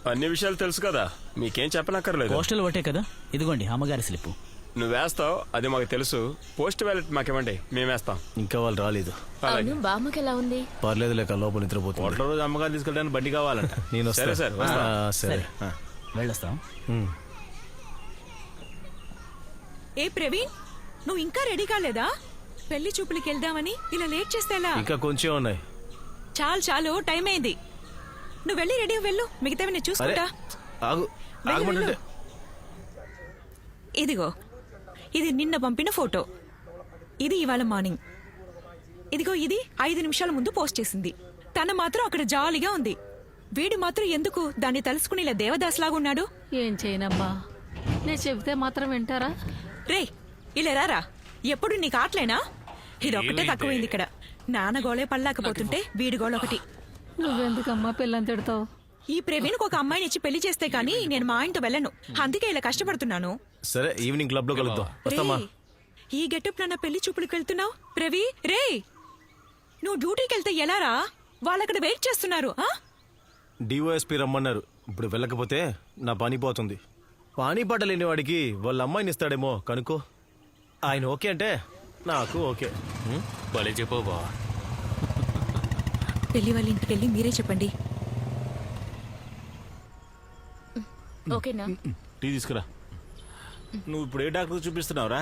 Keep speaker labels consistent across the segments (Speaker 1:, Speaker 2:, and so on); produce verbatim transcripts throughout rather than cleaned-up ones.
Speaker 1: అన్ని విషయాలు తెలుసు కదా, మీకేం చెప్పనక్కర్లేదు.
Speaker 2: పోస్టల్ ఒకటే కదా, ఇదిగోండి అమ్మగారి స్లిప్.
Speaker 1: నువ్వు వేస్తావు, అది మాకు తెలుసు. పోస్ట్ బ్యాలెట్ మాకివ్వండి, మేము వేస్తాం.
Speaker 3: ఇంకా వాళ్ళు రాలేదు.
Speaker 4: బామ్మకి ఎలా ఉంది?
Speaker 3: పర్లేదు లేక లోపల నిద్రపోతుంది.
Speaker 5: ఒకటో రోజు అమ్మగారు తీసుకెళ్ళడానికి బండి కావాలంట.
Speaker 3: నేను
Speaker 1: సరే సార్, వస్తా.
Speaker 3: సరే
Speaker 2: వెళ్ళొస్తాం.
Speaker 6: ఏ ప్రవీణ్, నువ్వు ఇంకా రెడీ కాలేదా? పెళ్లి చూపులకి వెళ్దామని ఇలా లేట్ చేస్తే ఎలా?
Speaker 3: ఇంకా కొంచెం ఉన్నాయి.
Speaker 6: చాలు చాలు, టైం అయింది. నువ్వు వెళ్ళి రెడీ వెళ్ళు, మిగతావి నేను చూసుకుంటా.
Speaker 3: ఆగు, ఆగమంటుంటే.
Speaker 6: ఇదిగో, ఇది నిన్న పంపిన ఫోటో, ఇది ఇవాళ మార్నింగ్. ఇదిగో, ఇది ఐదు నిమిషాల ముందు పోస్ట్ చేసింది. తన మాత్రం అక్కడ జాలీగా ఉంది. వీడు మాత్రం ఎందుకు దాన్ని తలుసుకుని ఇలా దేవదాస్లాగా ఉన్నాడు?
Speaker 4: ఏం చేయనమ్మా, నేను చెబితే మాత్రం వింటారా?
Speaker 6: రే, ఇలా రారా. ఎప్పుడు నీకు ఆటలేనా? ఇదొక్కటే తక్కువైంది ఇక్కడ. నాన్న గోళే పల్లాకపోతుంటే వీడి గోళ ఒకటి.
Speaker 4: నువ్వెందుకమ్మా పిల్లని తిడతావు?
Speaker 6: ఈ ప్రవీణ్కి ఒక అమ్మాయిని ఇచ్చి పెళ్లి చేస్తే కానీ నేను మా ఆయనతో వెళ్ళను. అందుకే ఇలా కష్టపడుతున్నాను.
Speaker 3: సరే, ఈవినింగ్ క్లబ్ లో కలుద్దాం. వస్తామా?
Speaker 6: రేయ్, ఈ గెటప్ లో నా పెళ్లి చూపులకు వెళ్తున్నావు ప్రవీ? రే, నువ్వు డ్యూటీకి వెళ్తే ఎలా రా? వాళ్ళక్కడ వెయిట్ చేస్తున్నారు.
Speaker 3: డిఓఎస్పీ రమ్మన్నారు. ఇప్పుడు వెళ్ళకపోతే నా పని పోతుంది. పానీ పాట లేని వాడికి వాళ్ళ అమ్మాయిని ఇస్తాడేమో కనుకో. ఆయన ఓకే అంటే నాకు ఓకే.
Speaker 5: భలే చెప్పు బా.
Speaker 6: పెళ్లి వాళ్ళ ఇంటికి వెళ్ళి మీరే చెప్పండి.
Speaker 4: ఓకేనా?
Speaker 5: టీ తీసుకురా. నువ్వు ఇప్పుడు ఏ డాక్టర్ చూపిస్తున్నావురా?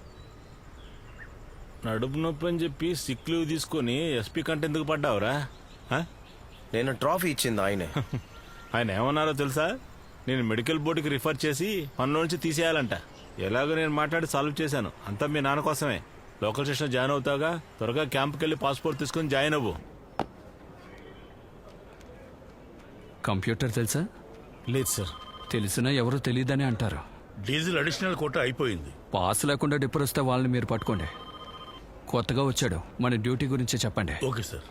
Speaker 5: నడుపు నొప్పి అని చెప్పి సిక్ లీవ్ తీసుకొని ఎస్పీ కంటే ఎందుకు పడ్డావురా?
Speaker 3: నేను ట్రాఫీ ఇచ్చింది ఆయనే.
Speaker 5: ఆయన ఏమన్నారో తెలుసా? నేను మెడికల్ బోర్డుకి రిఫర్ చేసి పనుల నుంచి తీసేయాలంట. ఎలాగో నేను మాట్లాడి సాల్వ్ చేశాను. అంతా మీ నాన్న కోసమే. లోకల్ స్టేషన్ జాయిన్ అవుతావుగా, త్వరగా క్యాంప్కి వెళ్ళి పాస్పోర్ట్ తీసుకుని జాయిన్ అవ్వు.
Speaker 7: కంప్యూటర్ తెలుసా?
Speaker 3: లేదు సార్.
Speaker 7: తెలిసినా ఎవరో తెలియదని అంటారు.
Speaker 8: డీజిల్ అడిషనల్ కోట అయిపోయింది.
Speaker 7: పాస్ లేకుండా డిప్పర్ వస్తే వాళ్ళని మీరు పట్టుకోండి. కొత్తగా వచ్చాడు, మన డ్యూటీ గురించి చెప్పండి.
Speaker 8: Okay sir.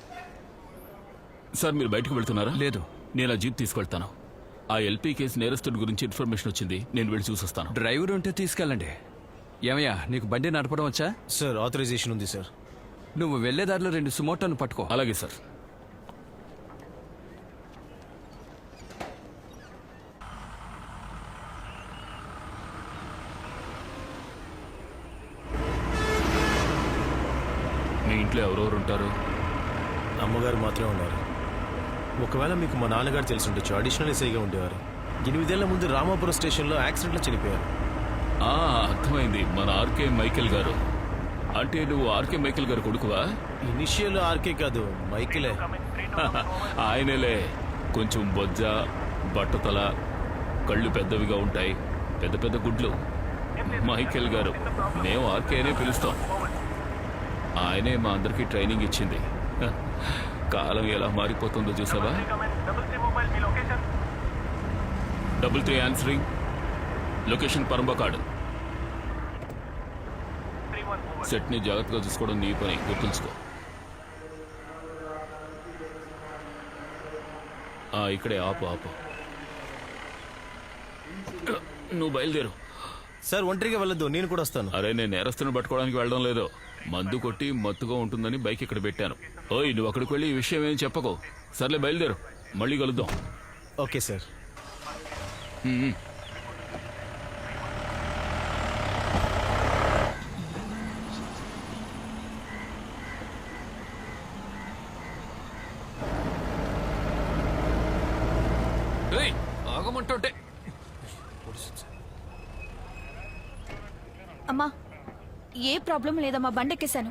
Speaker 9: సార్, మీరు బయటకు వెళ్తున్నారా?
Speaker 7: లేదు,
Speaker 9: నేను ఆ జీప్ తీసుకెళ్తాను. ఆ ఎల్పీ కేసు నేరస్తుడి గురించి ఇన్ఫర్మేషన్ వచ్చింది, నేను వెళ్ళి చూసొస్తాను.
Speaker 7: డ్రైవర్ ఉంటే తీసుకెళ్ళండి. ఏమయ్యా, నీకు బండి నడపడం వచ్చా?
Speaker 3: సార్, ఆథరైజేషన్ ఉంది సార్.
Speaker 7: నువ్వు వెళ్లేదారిలో రెండు సుమోటోను పట్టుకో.
Speaker 9: అలాగే సార్. మీ ఇంట్లో ఎవరెవరు ఉంటారు?
Speaker 3: అమ్మగారు మాత్రమే ఉన్నారు. ఒకవేళ మీకు మా నాన్నగారు తెలిసి ఉండొచ్చు. అడిషనల్ ఎస్ఐగా ఉండేవారు. ఎనిమిదేళ్ల ముందు రామాపురం స్టేషన్లో యాక్సిడెంట్లో చనిపోయారు.
Speaker 9: ఆ, అర్థమైంది. మన ఆర్కే మైకేల్ గారు. అంటే నువ్వు ఆర్కే మైకేల్ గారు కొడుకువా?
Speaker 3: ఇనిషియల్ ఆర్కే కాదు, మైకిలే.
Speaker 9: ఆయనలే. కొంచెం బొజ్జ, బట్టతల, కళ్ళు పెద్దవిగా ఉంటాయి, పెద్ద పెద్ద గుడ్లు. మైకేల్ గారు. మేము ఆర్కే అనే పిలుస్తాం. ఆయనే మా అందరికీ ట్రైనింగ్ ఇచ్చింది. కాలం ఎలా మారిపోతుందో చూసావా? Double three answering. లొకేషన్ పరంబకాడు. సెట్ని జాగ్రత్తగా చూసుకోవడం నీ పని, గుర్తుంచుకో. ఇక్కడే ఆపు ఆపు. నువ్వు బయలుదేరు.
Speaker 3: సార్, ఒంటరిగా వెళ్ళొద్దు, నేను కూడా వస్తాను.
Speaker 9: అరే, నేను నేరస్తుని పట్టుకోవడానికి వెళ్ళడం లేదు. మందు కొట్టి మత్తుగా ఉంటుందని బైక్ ఇక్కడ పెట్టాను. ఓయ్, నువ్వు అక్కడికి వెళ్ళి ఈ విషయం ఏం చెప్పకో. సర్లే, బయలుదేరు. మళ్ళీ కలుద్దాం.
Speaker 3: Okay sir.
Speaker 9: ఆగమంటుంటే.
Speaker 4: అమ్మా, ఏ ప్రాబ్లం లేదమ్మా, బండెక్కేశాను.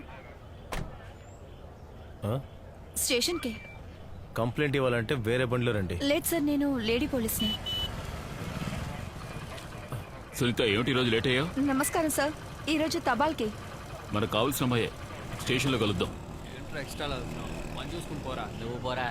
Speaker 4: స్టేషన్కి
Speaker 3: కంప్లైంట్ ఇవ్వాలంటే వేరే బండిలో రండి.
Speaker 4: లేదు సార్, నేను లేడీ పోలీస్ని.
Speaker 9: సునీత, ఏమిటి ఈరోజు లేట్ అయ్యా?
Speaker 4: నమస్కారం సార్. ఈరోజు తబాల్కి
Speaker 9: మనకు కావాల్సిన అమ్మాయే. స్టేషన్లో కలుద్దాం.
Speaker 2: నువ్వు పోరా.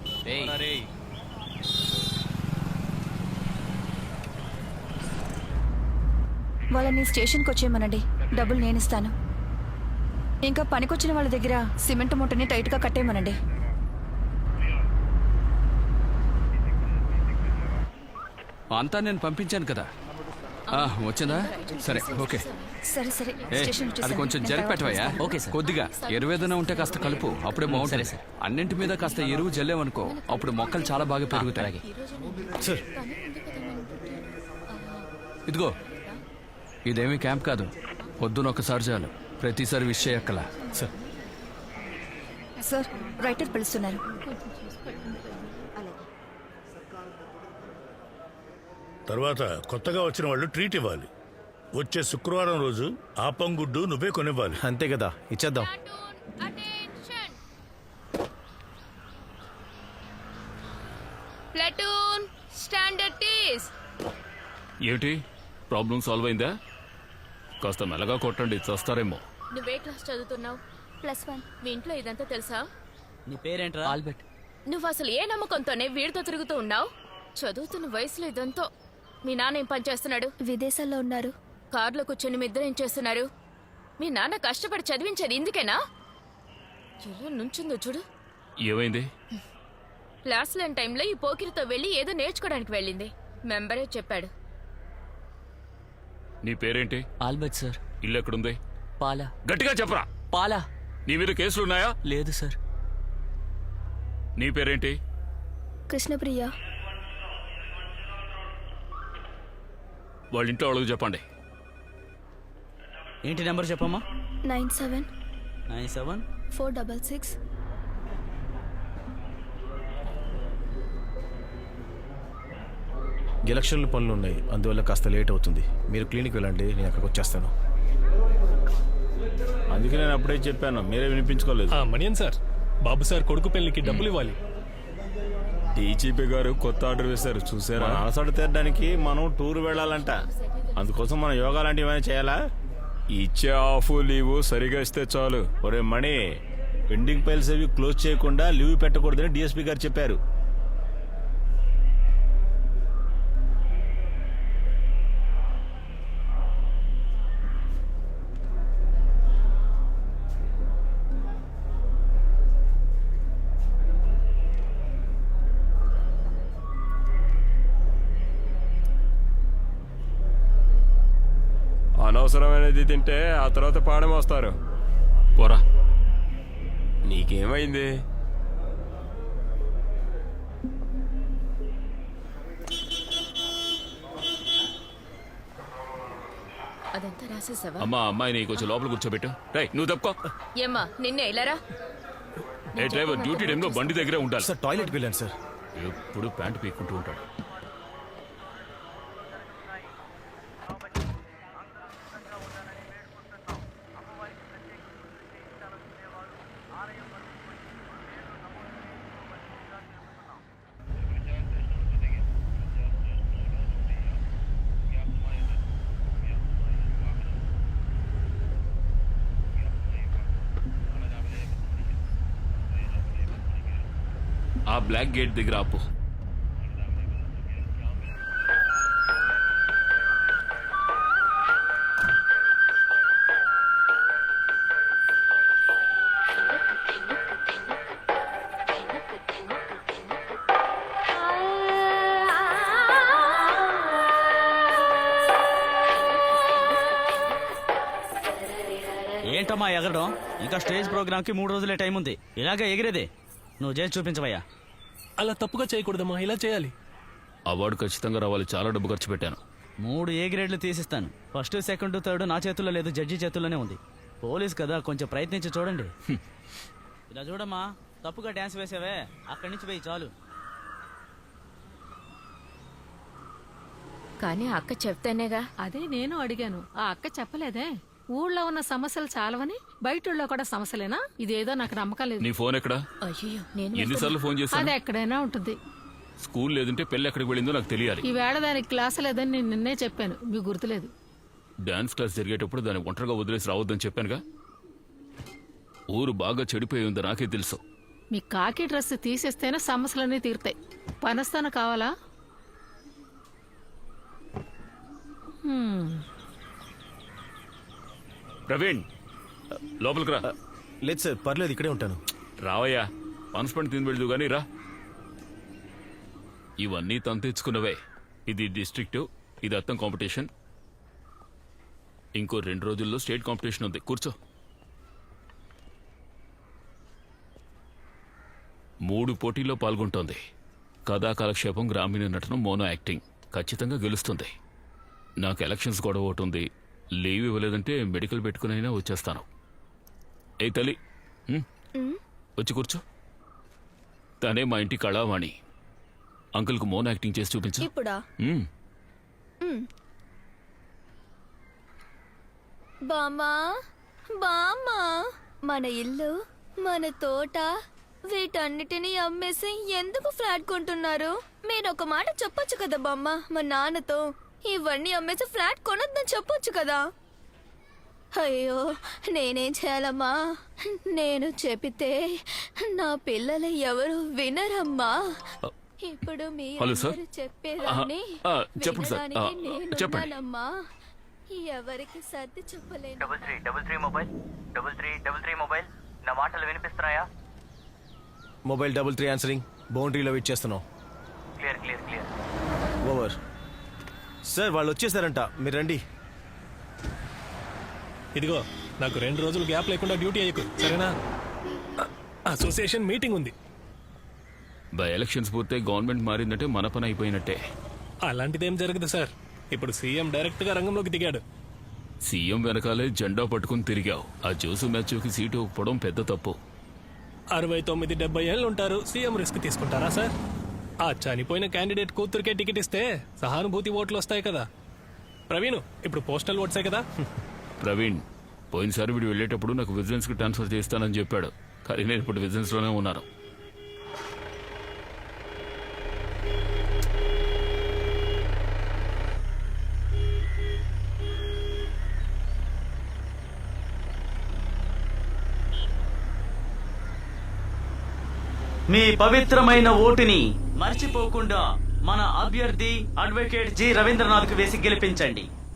Speaker 4: వాళ్ళని స్టేషన్కి వచ్చేయమనండి, డబ్బులు నేను ఇస్తాను. ఇంకా పనికొచ్చిన వాళ్ళ దగ్గర సిమెంట్ మూటని టైట్గా కట్టేయమనండి.
Speaker 7: అంతా నేను పంపించాను కదా. ఆ, వచ్చిందా సరే ఓకే
Speaker 4: సరే సరే
Speaker 7: ఏ,
Speaker 4: స్టేషన్
Speaker 7: అది కొంచెం జరిపెట్టవయ్యా
Speaker 2: ఓకే సార్.
Speaker 7: కొద్దిగా ఎరువు ఏదైనా ఉంటే కాస్త కలుపు అప్పుడే బాగుంటుంది
Speaker 2: సరే,
Speaker 7: అన్నింటి మీద కాస్త ఎరువు జల్లేమనుకో అప్పుడు మొక్కలు చాలా బాగా పెరుగుతాయి
Speaker 3: సార్
Speaker 7: ఇదిగో ఇదేమీ క్యాంప్ కాదు పొద్దున ఒకసారి చాలు ప్రతిసారి విష్ చేయక్కల
Speaker 3: సార్
Speaker 4: సార్ రైటర్ పిలుస్తున్నారు.
Speaker 8: తర్వాత కొత్తగా వచ్చిన వాళ్ళు ట్రీట్ ఇవ్వాలి. వచ్చే శుక్రవారం రోజు ఆపం గుడ్డు నువ్వే కొనివ్వాలి.
Speaker 3: అంతే కదా ఇచ్చేద్దాం.
Speaker 10: Platoon stand at ease.
Speaker 9: ఏమిటి ప్రాబ్లం సాల్వ్ అయిందా? కాస్త మెల్లగా కొట్టండి చస్తారేమో.
Speaker 10: నువ్వే క్లాస్ చదువుతున్నావు? Plus one. మీ ఇంట్లో ఇదంతా తెలుసా?
Speaker 2: నీ పేరేంట్రా? ఆల్బర్ట్.
Speaker 10: నువ్వు అసలు ఏ నమ్మకంతోనే వీడితో తిరుగుతూ ఉన్నావు? చదువుతున్న వయసులో ఇదంతా. మీ నాన్న ఏం పని చేస్తున్నాడు?
Speaker 4: విదేశాల్లో ఉన్నారు.
Speaker 10: కారులో కూర్చొని మీ ఇద్దరు ఏం చేస్తున్నారు? మీ నాన్న కష్టపడి చదివించేది ఇందుకేనా? ఎలా నుంచుందో చూడు.
Speaker 9: ఏమైంది?
Speaker 10: క్లాస్ లేని టైంలో ఈ పోకిరితో వెళ్ళి ఏదో నేర్చుకోవడానికి వెళ్ళింది. మెంబరే చెప్పాడు.
Speaker 9: నీ పేరేంటి?
Speaker 2: Albert sir.
Speaker 9: ఇల్లు ఎక్కడుంది?
Speaker 2: పాలా.
Speaker 9: గట్టిగా చెప్పరా.
Speaker 2: పాలా.
Speaker 9: నీ మీద కేసులున్నాయా?
Speaker 2: లేదు సార్.
Speaker 9: నీ పేరేంటి?
Speaker 4: కృష్ణప్రియ.
Speaker 9: వాళ్ళ ఇంట్లో వాళ్ళకి చెప్పండి.
Speaker 2: ఏంటి నెంబర్ చెప్పమ్మా?
Speaker 4: Nine seven
Speaker 2: nine seven
Speaker 4: four double six.
Speaker 3: ఎలక్షన్ల పనులు ఉన్నాయి, అందువల్ల కాస్త లేట్ అవుతుంది. మీరు క్లినిక్ వెళ్ళండి, నేను అక్కడికి వచ్చేస్తాను.
Speaker 5: అందుకే నేను అప్పుడే చెప్పాను, మీరే వినిపించుకోలేదు.
Speaker 11: మణియన్ సార్, బాబు సార్ కొడుకు పెళ్లికి డబ్బులు ఇవ్వాలి.
Speaker 1: డీజీపీ గారు కొత్త ఆర్డర్ వేశారు చూసారా?
Speaker 5: మన అలసట తీరడానికి మనం టూర్ వెళ్ళాలంట. అందుకోసం మనం యోగా లాంటివి ఏమైనా చేయాలా?
Speaker 1: ఇచ్చే ఆఫ్ లీవ్ సరిగా ఇస్తే చాలు.
Speaker 5: ఒరే మణి, పెండింగ్ ఫైల్స్ అవి క్లోజ్ చేయకుండా లీవ్ పెట్టకూడదని డిఎస్పీ గారు చెప్పారు.
Speaker 1: అనవసరమైనది తింటే ఆ తర్వాత పాడం వస్తారు.
Speaker 9: పోరా.
Speaker 1: నీకేమైంది?
Speaker 10: అదంతా రాసేసావా?
Speaker 9: అమ్మా అమ్మాయిని కొంచెం లోపల కూర్చోబెట్టు. రై నువ్వు తప్పుకో.
Speaker 10: ఏమ్మా నిన్నే ఇలారా.
Speaker 9: ఏ డ్రైవర్ డ్యూటీ టైంలో బండి దగ్గరే ఉండాలి.
Speaker 3: సార్ టాయిలెట్కి వెళ్ళాను సార్.
Speaker 9: ఎప్పుడు ప్యాంటు పీక్కుంటూ ఉంటాడు. ఆ బ్లాక్ గేట్ దగ్గర ఆపు.
Speaker 2: ఏంటమ్మా ఎగరడం? ఇంకా స్టేజ్ ప్రోగ్రామ్ కి మూడు రోజులే టైం ఉంది. ఇలాగే ఎగిరేదే. నువ్వు చేసి చూపించవయ్యా.
Speaker 11: అలా తప్పుగా చేయకూడదమ్మా, ఇలా చేయాలి.
Speaker 9: అవార్డు ఖచ్చితంగా రావాలి. చాలా డబ్బు ఖర్చు పెట్టాను.
Speaker 2: మూడు ఏ గ్రేడ్లు తీసిస్తాను. ఫస్ట్ సెకండ్ థర్డ్ నా చేతుల్లో లేదు, జడ్జి చేతుల్లోనే ఉంది. పోలీస్ కదా, కొంచెం ప్రయత్నించి చూడండి. ఇలా చూడమ్మా, తప్పుగా డ్యాన్స్ వేసావే, అక్కడి నుంచి పోయి చాలు.
Speaker 10: కానీ అక్క చెప్తేనేగా.
Speaker 12: అదే నేను అడిగాను, ఆ అక్క చెప్పలేదే. ఊళ్ళో ఉన్న సమస్యలు చాలవని బయట కూడా సమస్యలేనా? ఇదేదో నాకు నమ్మకం లేదు.
Speaker 9: నీ ఫోన్ ఎక్కడా?
Speaker 10: అయ్యో నేను
Speaker 9: ఎన్నిసార్లు ఫోన్ చేశాను?
Speaker 12: అది ఎక్కడైనా ఉంటుంది.
Speaker 9: స్కూల్ లేదంటే పెళ్లి ఎక్కడికి వెళ్ళిందో నాకు తెలియాలి.
Speaker 12: ఈ వేళ దానికి క్లాస్ లేదని నేను నిన్నే చెప్పాను, మీకు గుర్తులేదు.
Speaker 9: డాన్స్ క్లాస్ జరిగేటప్పుడు దాన్ని ఒంటరిగా వదిలేసి రావద్దని చెప్పానుగా. ఊరు బాగా చెడిపోయి ఉందో నాకే తెలుసు.
Speaker 12: మీ కాకి డ్రెస్ తీసేస్తేనే సమస్యలన్నీ తీరుతాయి. పనస్తాను కావాలా? హ్మ్.
Speaker 9: ప్రవీణ్ లోపలికి రా.
Speaker 3: లేదు సార్, పర్లేదు, ఇక్కడే ఉంటాను.
Speaker 9: రావయ్యా, పనిష్మెంట్ తిని వెళ్దు గానీ రా. ఇవన్నీ తను తెచ్చుకున్నవే. ఇది డిస్ట్రిక్ట్, ఇది అత్తం కాంపిటీషన్. ఇంకో రెండు రోజుల్లో స్టేట్ కాంపిటీషన్ ఉంది, కూర్చో. మూడు పోటీల్లో పాల్గొంటోంది. కథా కాలక్షేపం, గ్రామీణ నటన, మోనో యాక్టింగ్. ఖచ్చితంగా గెలుస్తుంది. నాకు ఎలక్షన్స్ గొడవ ఒకటి ఉంది. లీవ్ ఇవ్వలేదంటే మెడికల్ పెట్టుకునైనా వచ్చేస్తాను. ఏ తల్లి, ఉమ్, వచ్చి కూర్చో. తనే మా ఇంటి కళావాణి. అంకుల్కు మోనో యాక్టింగ్ చేసి చూపించు.
Speaker 10: ఇప్పుడా?
Speaker 9: ఉమ్.
Speaker 10: బామ్మా, బామ్మా, మన ఇల్లు, మన తోట, వీటన్నిటినీ అమ్మేసి ఎందుకు ఫ్లాట్ కొంటున్నారు? మీరు ఒక మాట చెప్పొచ్చు కదా బామ్మ మా నాన్నతో. ఇవన్నీ అమ్మేసి ఫ్లాట్ కొనొద్దని చెప్పొచ్చు కదా. అయ్యో, నేనేం చేయాలమ్మా? నేను చెబితే నా పిల్లలు ఎవరు వినరమ్మా. ఇప్పుడు మీ
Speaker 9: హలో సార్.
Speaker 10: అందరూ చెప్పేదాన్ని
Speaker 9: ఆ, ఆ, చెప్పండి సార్. ఆ,
Speaker 10: వినడానికి నేను
Speaker 9: చెప్పండి.
Speaker 10: ఉన్నానమ్మా. ఎవరికి సర్ది చెప్పలేను.
Speaker 13: Double three double three mobile double three double three mobile నా మాటలు వినిపిస్తున్నాయా?
Speaker 3: Mobile double three answering. బౌండరీలో వెయిట్ చేస్తున్నాం.
Speaker 13: Clear clear clear.
Speaker 3: Over. Sir వాళ్ళు వచ్చేసారంట, మీరు రండి.
Speaker 11: ఇదిగో, నాకు రెండు రోజులు గ్యాప్ లేకుండా డ్యూటీ అయ్యకు, సరేనా? అసోసియేషన్ మీటింగ్ ఉంది.
Speaker 9: బై ఎలక్షన్స్ పూర్తే గవర్నమెంట్ మారిందంటే మన పని అయిపోయినట్టే.
Speaker 11: అలాంటిదేం జరగదు సార్. ఇప్పుడు సీఎం డైరెక్ట్ గా రంగంలోకి దిగాడు.
Speaker 9: సీఎం వెనకాలే జెండా పట్టుకుని తిరిగావు. ఆ జోసు మ్యాచ్కి సీటు ఒప్పుకోవడం పెద్ద తప్పు.
Speaker 11: అరవై తొమ్మిది డెబ్బై ఏళ్ళు ఉంటారు, సీఎం రిస్క్ తీసుకుంటారా సార్? ఆ చనిపోయిన క్యాండిడేట్ కూతురికే టికెట్ ఇస్తే సహానుభూతి ఓట్లు వస్తాయి కదా. ప్రవీణ్, ఇప్పుడు పోస్టల్ ఓట్సే కదా.
Speaker 9: ప్రవీణ్, పోయినసారి వీడు వెళ్ళేటప్పుడు నాకు విజిలెన్స్ కి ట్రాన్స్ఫర్ చేస్తానని చెప్పాడు. కానీ నేను ఇప్పుడు విజిలెన్స్ లోనే ఉన్నాను.
Speaker 2: మీ పవిత్రమైన ఓటుని మర్చిపోకుండా మన అభ్యర్థి అడ్వకేట్ జి రవీంద్రనాథ్ కు వేసి గెలిపించండి.